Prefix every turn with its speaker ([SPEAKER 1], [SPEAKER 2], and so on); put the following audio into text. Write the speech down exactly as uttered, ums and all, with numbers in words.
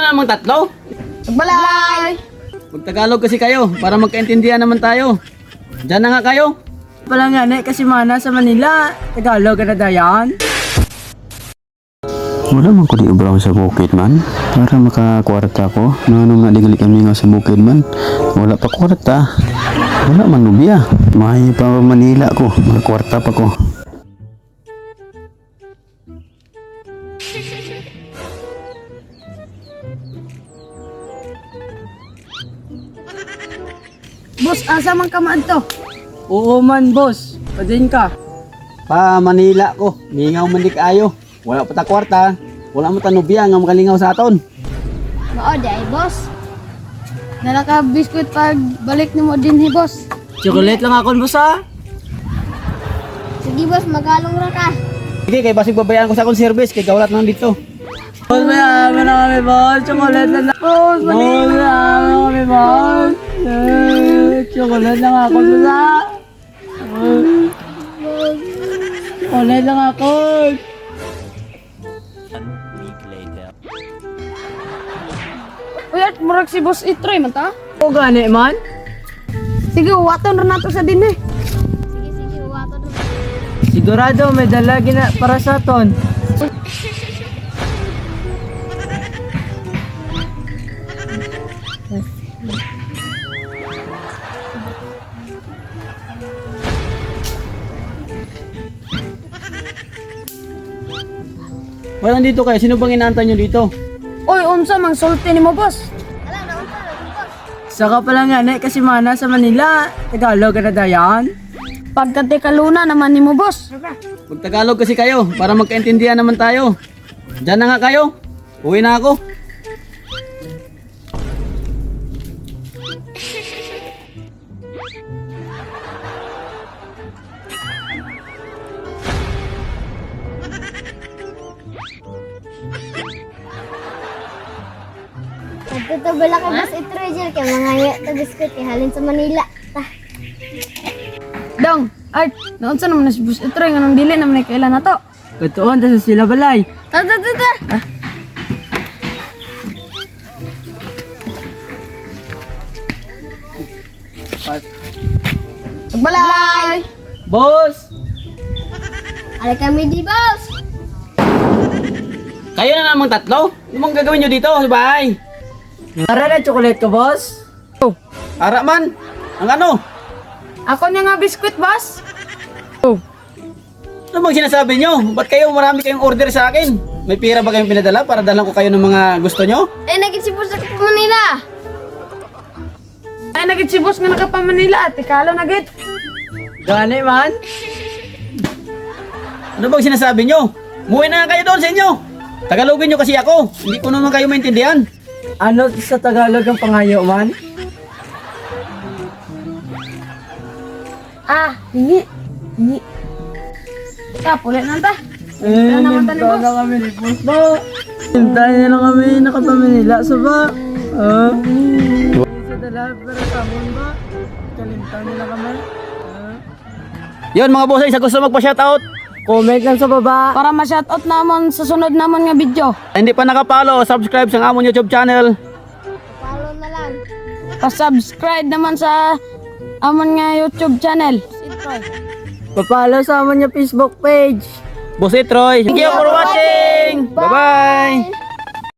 [SPEAKER 1] na namang tatlo?
[SPEAKER 2] Magbalay!
[SPEAKER 1] Magtagalog kasi kayo para magkaintindihan naman tayo. Diyan na nga kayo.
[SPEAKER 2] Pala nga na kasi mana sa Manila. Tagalog ka na dayan.
[SPEAKER 3] Wala man ko di ubraw sa bukid man para makakwarta ko. Nano nga digali kami nga sa bukid man. Wala pa kwarta. Wala man lubiya. May pa Manila ko. Makakwarta pa ko.
[SPEAKER 2] Boss, asa man ka man to? Oo man, boss. Padin ka.
[SPEAKER 1] Pa Manila ko. Mingaw man di kaayo. Wala pa ta kwarta. Wala mo tanubya nga makalingaw sa aton.
[SPEAKER 4] Oo, day, boss. Nalaka biskuit pag balik ni mo din, he, boss.
[SPEAKER 2] Chocolate lang ako, boss, ha?
[SPEAKER 4] Sige, boss, magalong ra ka.
[SPEAKER 1] Sige, kay basig babayaan ko sa akong service kay gawlat nang dito.
[SPEAKER 2] Boss, mayaman na kami, boss. Chocolate lang ako. Boss, mayaman na kami, boss. Eh, Chocolate lang ako, boss, ha? Eh, Chocolate lang ako.
[SPEAKER 4] Uy, at murag si boss itroy man ta?
[SPEAKER 2] O gani man?
[SPEAKER 4] Sige, waton ra nato sa din eh. Sige, sige, waton ra.
[SPEAKER 2] Sigurado may dala gina para sa ton.
[SPEAKER 1] Wala dito kayo. Sino bang inaantay nyo dito?
[SPEAKER 4] Uy, unsa mang sulti ni mo, boss?
[SPEAKER 2] Saka pala nga na kasi mana sa Manila. Tagalog ka na dayan.
[SPEAKER 4] Pagkati kaluna naman ni mo, boss.
[SPEAKER 1] Magtagalog kasi kayo para magkaintindihan naman tayo. Diyan na nga kayo. Uwi na ako.
[SPEAKER 5] Ito bala ka boss itroy dyan kaya mga to biskuit ihalin sa Manila. Ta.
[SPEAKER 4] Dong, ay, naunsa naman na si boss itroy nga nang dili naman ay kailan na to.
[SPEAKER 2] Katuon ta sa sila balay.
[SPEAKER 4] Ta, ta, ta, ta. Magbalay!
[SPEAKER 1] Boss!
[SPEAKER 5] Alay kami di boss.
[SPEAKER 1] Kayo na namang tatlo? Ano mong gagawin nyo dito sa bahay?
[SPEAKER 2] Para na chocolate ko, boss.
[SPEAKER 1] Ara man! Ang ano?
[SPEAKER 4] Ako niya nga biskuit, boss.
[SPEAKER 1] Ano bang sinasabi nyo? Ba't kayo marami kayong order sa akin? May pira ba kayong pinadala para dalang ko kayo ng mga gusto nyo?
[SPEAKER 5] Eh nagit si boss sa Manila.
[SPEAKER 4] Ay, nagit si boss nga nakapa Manila at ikalo nagit.
[SPEAKER 2] Gani man?
[SPEAKER 1] Ano bang sinasabi nyo? Muwi na kayo doon sa inyo! Tagalogin nyo kasi ako. Hindi ko naman kayo maintindihan.
[SPEAKER 2] Ano sa Tagalog ang pangayo man?
[SPEAKER 4] Ah, hingi. Hingi. Ta, pulit na ta.
[SPEAKER 2] Eh,
[SPEAKER 4] naman tayo,
[SPEAKER 2] hintayin
[SPEAKER 4] boss.
[SPEAKER 2] na kami ni boss ba? Hintayin na lang kami nakapaminila sa ba? Ah? Sa dala pero tamon ba? Kalimtan nila kami. Ah?
[SPEAKER 1] Yun mga boss, sa gusto magpa-shoutout.
[SPEAKER 2] Comment lang sa baba.
[SPEAKER 4] Para ma-shoutout naman sa sunod naman nga video.
[SPEAKER 1] Hindi pa nakapalo, subscribe sa amon YouTube channel.
[SPEAKER 5] Follow na lang.
[SPEAKER 4] Pa-subscribe naman sa amon nga YouTube channel.
[SPEAKER 2] Papalo sa amon niya Facebook page.
[SPEAKER 1] Boss Itroy, thank you for watching! Bye-bye!